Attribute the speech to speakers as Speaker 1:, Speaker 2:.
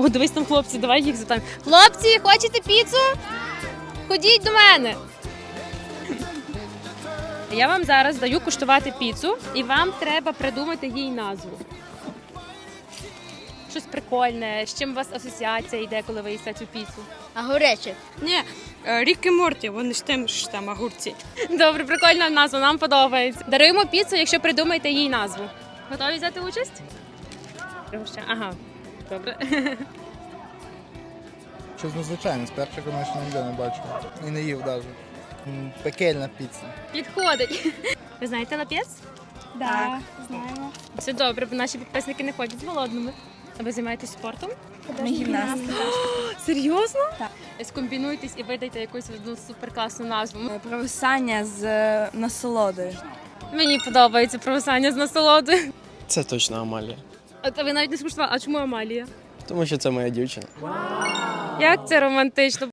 Speaker 1: О, дивись там хлопці, давай їх запитаємо. Хлопці, хочете піцу? Ходіть до мене. Я вам зараз даю куштувати піцу, і вам треба придумати їй назву. Щось прикольне, з чим у вас асоціація йде, коли ви їсте цю піцу?
Speaker 2: А горяче?
Speaker 3: Ні, Рік і Морті, вони ж тим, що там огурці.
Speaker 1: Добре, прикольна назва, нам подобається. Даруємо піцу, якщо придумаєте їй назву. Готові взяти участь? Ага, добре.
Speaker 4: Щось надзвичайне, спершу, звісно, ніде не бачив. І не їв навіть. Пекельна піца.
Speaker 1: Підходить. Ви знаєте лапєц?
Speaker 2: Так, знаємо.
Speaker 1: Все добре, бо наші підписники не ходять голодними. А ви займаєтесь спортом?
Speaker 2: Ми гімнасти.
Speaker 1: Серйозно?
Speaker 2: Так.
Speaker 1: Скомбінуйтесь і видайте якусь одну суперкласну назву.
Speaker 2: Провисання з насолодою.
Speaker 1: Мені подобається провисання з насолодою.
Speaker 5: Це точно Амалія.
Speaker 1: А ви навіть не скуштували, а чому Амалія?
Speaker 5: Тому що це моя дівчина.
Speaker 1: Як це романтично.